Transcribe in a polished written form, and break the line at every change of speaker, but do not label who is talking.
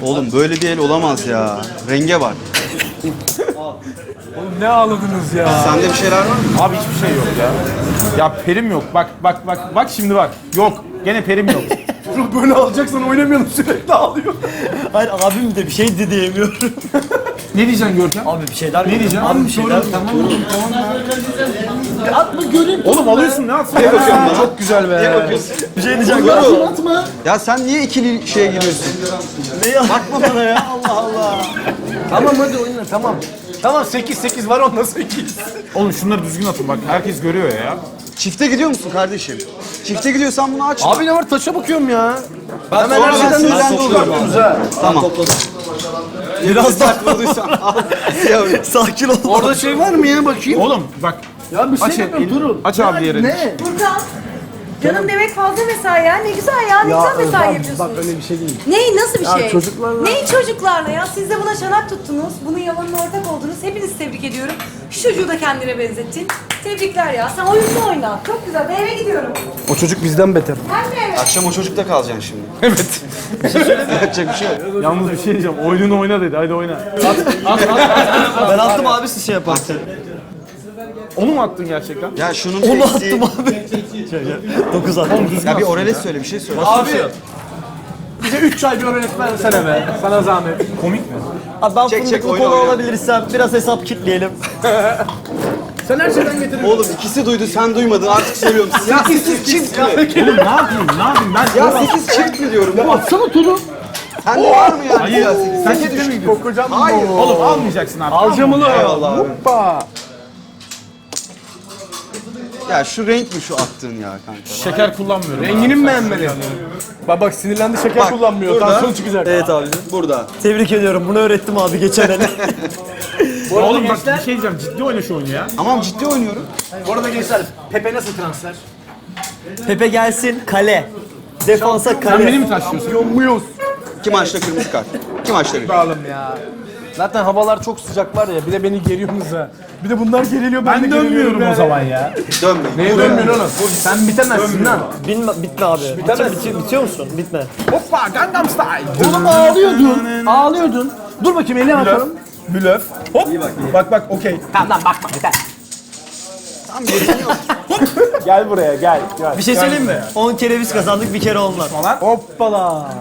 Oğlum böyle bir el olamaz ya. Renge bak.
Oğlum ne ağladınız ya?
Sende bir şeyler var mı?
Abi hiçbir şey yok ya. Ya perim yok. Bak şimdi bak. Yok. Gene perim yok. Böyle alacaksan oynamayalım, sürekli ağlıyor.
Hayır abim de bir şey de diyemiyorum.
Ne diyeceksin Görkem?
Abi bir şeyler
Ne diyeceğim?
Abi bir şeyler.
Tamam.
Atma göreyim.
Oğlum alıyorsun ne atsın? Çok güzel be.
Bir şey diyeceğim.
Atma. Ya sen niye ikili şeye giriyorsun?
Ne bakma bana ya. Allah Allah.
Tamam hadi oyna tamam. Tamam 8 var onda 8. Oğlum şunları düzgün atın bak. Herkes görüyor ya.
Çifte gidiyor musun kardeşim? Çifte gidiyorsan bunu açma.
Abi ne var, taşa bakıyorum ya.
ben her şeyden oluyorum. Tamam.
Biraz daha
Bulduysan al.
sakin ol.
Orada şey var mı ya, bakayım? Oğlum bak.
Ya bir şey
Aç,
yapıyorum, durun.
aç abi diğerini.
Ne?
Furkan. Canım demek fazla mesai ya. Ne güzel ya. Ne güzel mesai yapıyorsunuz.
Bak öyle bir şey değil.
Ney nasıl bir şey?
çocuklarla-
Ney çocuklarla ya? Siz de buna çanak tuttunuz. Bunun yalanına ortak oldunuz. Hepinizi tebrik ediyorum. Şu çocuğu da kendine benzettin. Tebrikler ya. Sen oyununu oyna. Çok güzel. Ben eve gidiyorum.
O çocuk bizden beter.
Ben de eve.
Akşam o çocukta kalacaksın şimdi.
Evet.
Yapacak bir şey yok.
Yalnız bir şey diyeceğim. Oyununu oyna dedi. Hadi oyna.
Ben attım abi siz şey yaparsın.
Onu mu attın gerçekten?
Ya şunun
Onu
eksiği...
attım abi. 9 attım.
Ya bir orales söyle, bir şey söyle.
Abi. Bize 3 çay bir öğretmen versene be. Sana zahmet.
Komik mi?
Abi ben
Çek,
fındıklı
oyna,
kola
oyna.
alabilirsem biraz hesap kitleyelim.
Sen her şeyden getirin.
Oğlum ikisi duydu, sen duymadın. Artık söylüyorum. Ya 8 çift mi?
Oğlum ne yapayım? Ne yapayım? Ben
Ya 8 çift mi diyorum? Ya
Atsana turu.
sende var mı yani?
Hayır.
Ya 8
Sen ciddi mi gidiyorsun?
Kokacağım.
Hayır.
Oğlum almayacaksın abi.
Alacağım onu.
Eyvallah abi.
Hoppa.
Ya şu renk mi şu attığın ya kanka?
Şeker kullanmıyorum.
Rengini mi beğenmedin? Bak sinirlendi, şeker
Bak,
kullanmıyor.
burada-
Tansiyon çıkacak.
Evet abi.
Burada.
Tebrik ediyorum. Bunu öğrettim abi geçen el.
Oğlum bak bir şey diyeceğim. Ciddi oyna şu oyunu ya.
Tamam ciddi oynuyorum.
Bu arada gençler, Pepe nasıl transfer?
Pepe gelsin kale. Defansa
Sen
kale.
beni mi taşıyorsun?
Yomuyuz.
Kim maçta kırmızı kart? Kim maçta kırmızı?
Dağılım ya. Zaten havalar çok sıcak var ya, bir de beni geriyorsunuz ha. Bir de bunlar geriliyor, ben de
Ben
geriliyorum
dönmüyorum o
yani.
zaman ya.
Dönme.
Neye dönmüyorsun oğlum? Sen bitemezsin lan.
Bitme abi. Bitiyor musun? Bitme.
Hoppa Gangnam Style.
Oğlum ağlıyordun. Ağlıyordun. Dur bakayım, eline bakalım.
Blöf. Hop. Bak okey.
Gel buraya, gel.
Bir şey söyleyeyim mi? 10 kere biz kazandık, bir kere onlar.
Hoppala.